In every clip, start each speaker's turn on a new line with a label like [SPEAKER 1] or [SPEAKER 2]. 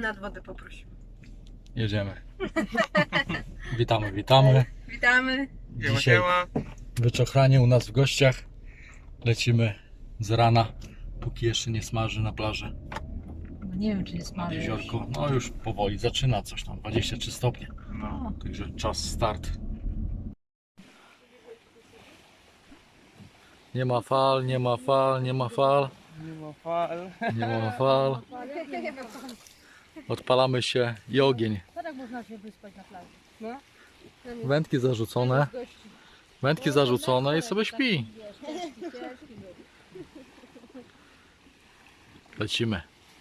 [SPEAKER 1] nad wodę poprosimy.
[SPEAKER 2] Jedziemy. Witamy, witamy.
[SPEAKER 1] Witamy.
[SPEAKER 2] Dzisiaj wyczochranie u nas w gościach. Lecimy z rana, póki jeszcze nie smaży na plaży.
[SPEAKER 3] No nie wiem, czy jest
[SPEAKER 2] Nad
[SPEAKER 3] smaży.
[SPEAKER 2] jeziorko. No już powoli zaczyna coś tam, 23 stopnie.
[SPEAKER 3] No.
[SPEAKER 2] Także czas start. Nie ma fal, nie ma fal, nie ma fal.
[SPEAKER 4] Nie ma fal.
[SPEAKER 2] Nie ma fal. Odpalamy się i ogień.
[SPEAKER 3] Tak można się wyspać na plaży.
[SPEAKER 2] Wędki zarzucone. Wędki zarzucone i sobie śpi. Lecimy.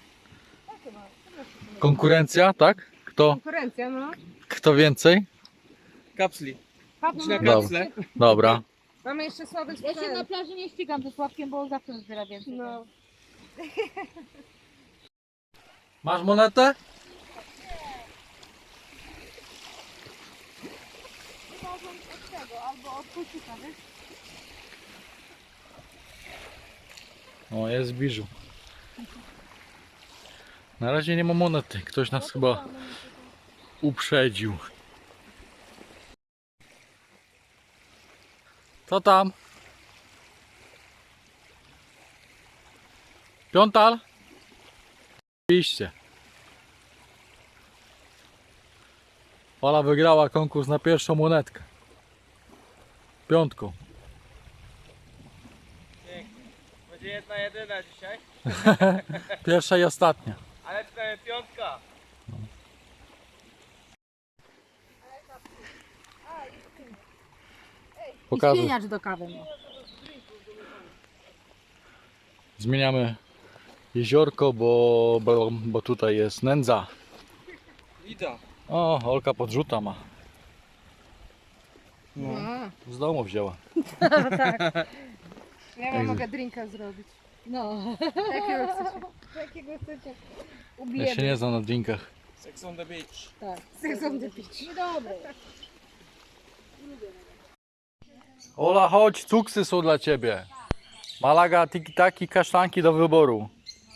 [SPEAKER 2] Konkurencja, tak?
[SPEAKER 1] Konkurencja, no.
[SPEAKER 2] Kto więcej?
[SPEAKER 4] Kapsli. Idź na
[SPEAKER 2] Dobra.
[SPEAKER 4] kapsle.
[SPEAKER 2] Dobra.
[SPEAKER 1] Mamy jeszcze słaby
[SPEAKER 3] Ja się na plaży nie ścigam ze Sławkiem, bo zawsze zbiera więcej.
[SPEAKER 1] No.
[SPEAKER 2] Masz monetę?
[SPEAKER 3] Albo od kulczyka, wiesz?
[SPEAKER 2] O, jest biżu. Na razie nie ma monety. Ktoś nas chyba uprzedził. Co tam? Piątal? Oczywiście. Ola wygrała konkurs na pierwszą monetkę. Piątką.
[SPEAKER 4] Będzie jedna jedyna dzisiaj,
[SPEAKER 2] Pierwsza i ostatnia.
[SPEAKER 4] ale przynajmniej piątka.
[SPEAKER 3] I
[SPEAKER 2] Pokażę.
[SPEAKER 3] spieniacz do kawy. No.
[SPEAKER 2] Zmieniamy jeziorko, bo tutaj jest nędza.
[SPEAKER 4] Ida.
[SPEAKER 2] O, Olka podrzuta ma.
[SPEAKER 4] No.
[SPEAKER 2] Z domu wzięła.
[SPEAKER 1] Ja wam mogę drinka zrobić.
[SPEAKER 3] No.
[SPEAKER 1] Jakiego chcecie? Jakiego chcecie?
[SPEAKER 2] Ja
[SPEAKER 1] Ubijemy.
[SPEAKER 2] się nie znam na drinkach.
[SPEAKER 4] Sex on the beach.
[SPEAKER 3] Tak.
[SPEAKER 1] Sex on the beach.
[SPEAKER 3] Niedobre.
[SPEAKER 2] Ola, chodź, cuksy są dla ciebie. Malaga, tiki-taki, kasztanki do wyboru.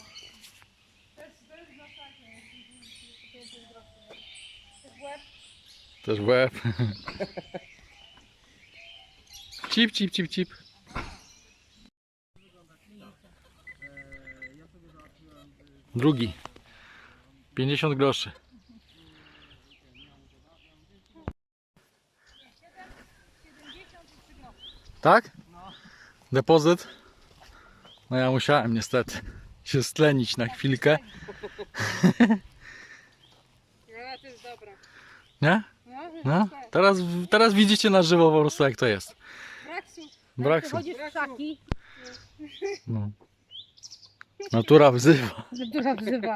[SPEAKER 2] Też w łeb. Cip, cip, cip, cip. Drugi. 50 groszy. Tak? Depozyt? No ja musiałem niestety się stlenić na chwilkę.
[SPEAKER 1] Ja, to jest dobra.
[SPEAKER 2] Nie?
[SPEAKER 1] No,
[SPEAKER 2] No, teraz widzicie na żywo po prostu jak to jest.
[SPEAKER 1] Braksu.
[SPEAKER 2] Brak
[SPEAKER 3] Chodzisz w szaki,
[SPEAKER 2] no. Natura wzywa.
[SPEAKER 3] że duża wzywa.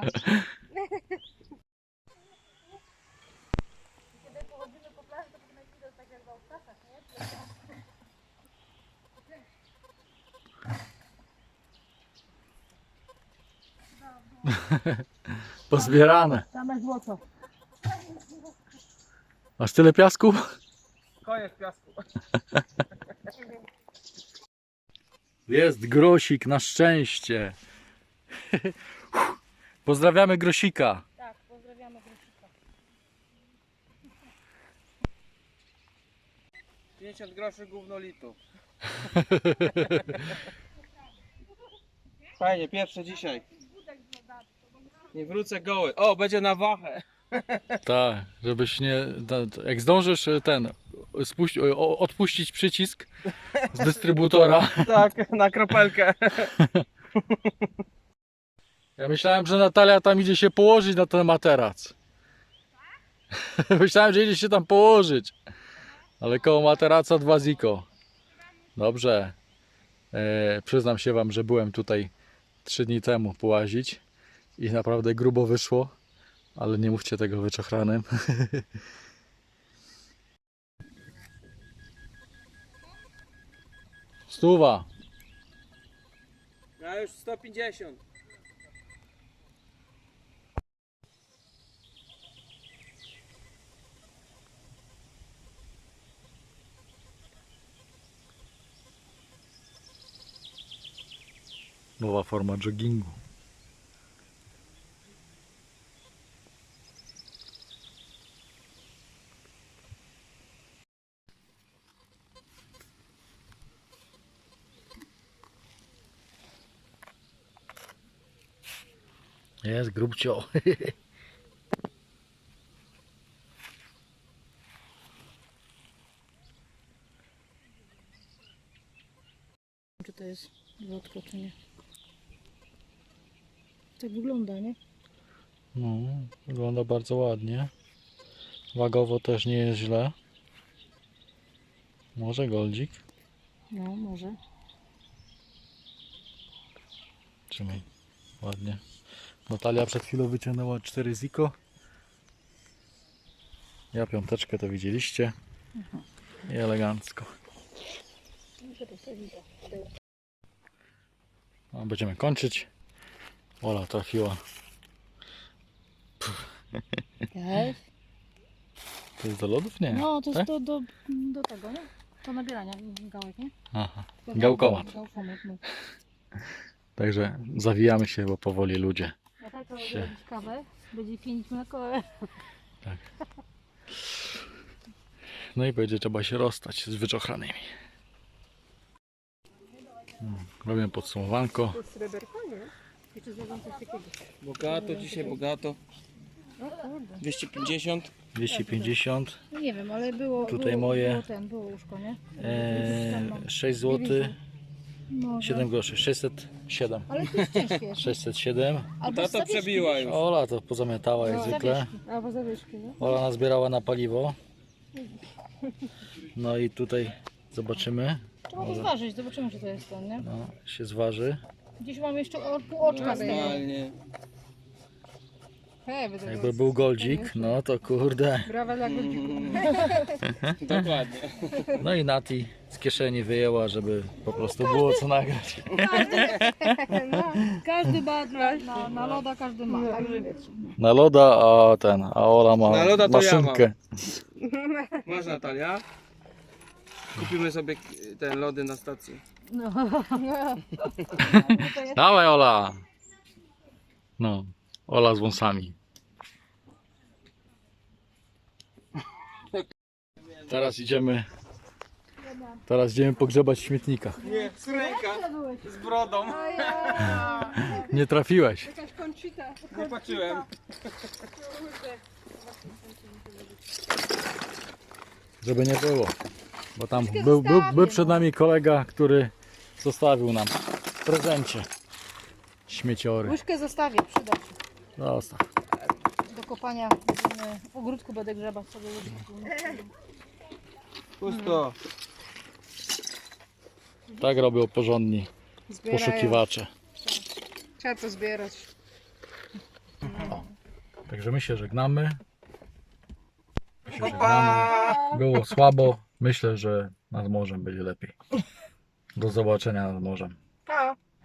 [SPEAKER 2] Pozbierane.
[SPEAKER 3] Same złoto.
[SPEAKER 2] Masz tyle piasku?
[SPEAKER 4] Koniec piasku.
[SPEAKER 2] Jest grosik, na szczęście. Pozdrawiamy grosika.
[SPEAKER 3] Tak, pozdrawiamy Grosika.
[SPEAKER 4] 50 groszy gówno litu. Fajnie, pierwsze dzisiaj. Nie wrócę goły. O, będzie na wachę.
[SPEAKER 2] Tak, żebyś nie... Jak zdążysz odpuścić przycisk z dystrybutora.
[SPEAKER 4] Tak, na kropelkę.
[SPEAKER 2] Ja myślałem, że Natalia tam idzie się położyć na ten materac. Myślałem, że idzie się tam położyć. Ale koło materaca 2 ziko. Dobrze. Przyznam się wam, że byłem tutaj 3 dni temu połazić i naprawdę grubo wyszło. Ale nie mówcie tego wyczochranym. Stuwa.
[SPEAKER 4] Ja już 150.
[SPEAKER 2] Nowa forma joggingu. Jest grubcio.
[SPEAKER 3] Czy to jest złotko, czy nie? Tak wygląda, nie?
[SPEAKER 2] No, wygląda bardzo ładnie. Wagowo też nie jest źle. Może goldzik?
[SPEAKER 3] No, może.
[SPEAKER 2] Trzymaj. Ładnie. Natalia przed chwilą wyciągnęła 4 ziko. Ja piąteczkę to widzieliście. I elegancko. No, będziemy kończyć. Ola trafiła.
[SPEAKER 3] Jest.
[SPEAKER 2] To jest do lodów? Nie.
[SPEAKER 3] No, to
[SPEAKER 2] tak?
[SPEAKER 3] jest do tego, nie? Do nabierania gałek, nie?
[SPEAKER 2] Aha. Gałkomat.
[SPEAKER 3] Gałkomat, no.
[SPEAKER 2] Także zawijamy się, bo powoli ludzie.
[SPEAKER 3] A tak to będzie robić kawę, będzie pienić mleko.
[SPEAKER 2] No i będzie trzeba się rozstać z wyczochranymi. Robię podsumowanko.
[SPEAKER 1] To jest sreberko, nie? Jeszcze zrobią coś takiego.
[SPEAKER 4] Bogato, dzisiaj bogato.
[SPEAKER 1] O kurde.
[SPEAKER 4] 250.
[SPEAKER 2] 250.
[SPEAKER 3] No nie wiem, ale było.
[SPEAKER 2] Tutaj moje.
[SPEAKER 3] Było łóżko, nie?
[SPEAKER 2] 6 zł.
[SPEAKER 3] Może.
[SPEAKER 2] 7 groszy. 607.
[SPEAKER 3] Ale to jest ciężkie jeszcze.
[SPEAKER 2] 607.
[SPEAKER 3] Albo
[SPEAKER 4] Tato
[SPEAKER 3] zawieszki,
[SPEAKER 4] przebiła
[SPEAKER 3] wiesz?
[SPEAKER 4] już.
[SPEAKER 2] Ola to pozamiatała jak
[SPEAKER 3] No,
[SPEAKER 2] zwykle.
[SPEAKER 3] zawieszki.
[SPEAKER 1] Albo zawieszki, no.
[SPEAKER 2] Ola nazbierała na paliwo. No i tutaj zobaczymy.
[SPEAKER 3] Trzeba to zważyć, zobaczymy, czy to jest to, nie?
[SPEAKER 2] No, się zważy.
[SPEAKER 3] Gdzieś mam jeszcze pół oczka z tego.
[SPEAKER 4] Normalnie.
[SPEAKER 1] Hej, będę
[SPEAKER 2] Jakby był goldzik, no to kurde.
[SPEAKER 1] Brawa dla godzików.
[SPEAKER 4] Dokładnie.
[SPEAKER 2] No i Nati z kieszeni wyjęła, żeby po prostu było co nagrać.
[SPEAKER 3] Każdy ma na loda, każdy ma. Także wiecie.
[SPEAKER 2] Na loda, a Ola ma
[SPEAKER 4] Na loda to ja
[SPEAKER 2] maszynkę.
[SPEAKER 4] Masz Natalia. Kupimy sobie te lody na stacji.
[SPEAKER 3] No.
[SPEAKER 2] Dawaj Ola! No, Ola z wąsami. Teraz idziemy pogrzebać w śmietnikach.
[SPEAKER 4] Nie, ręka z brodą.
[SPEAKER 2] Nie trafiłeś.
[SPEAKER 1] Jakaś koncita.
[SPEAKER 4] Nie patrzyłem.
[SPEAKER 2] Żeby nie było. Bo tam był przed nami kolega, który zostawił nam w prezencie śmieciory.
[SPEAKER 3] Łyżkę zostawię, przyda się.
[SPEAKER 2] Zostaw.
[SPEAKER 3] Do kopania w ogródku będę grzebać sobie łyżkę.
[SPEAKER 4] Pusto.
[SPEAKER 2] Tak robią porządni
[SPEAKER 1] Zbierają.
[SPEAKER 2] poszukiwacze.
[SPEAKER 1] Trzeba to zbierać.
[SPEAKER 2] Także my się żegnamy. Było słabo. Myślę, że nad morzem będzie lepiej. Do zobaczenia nad morzem.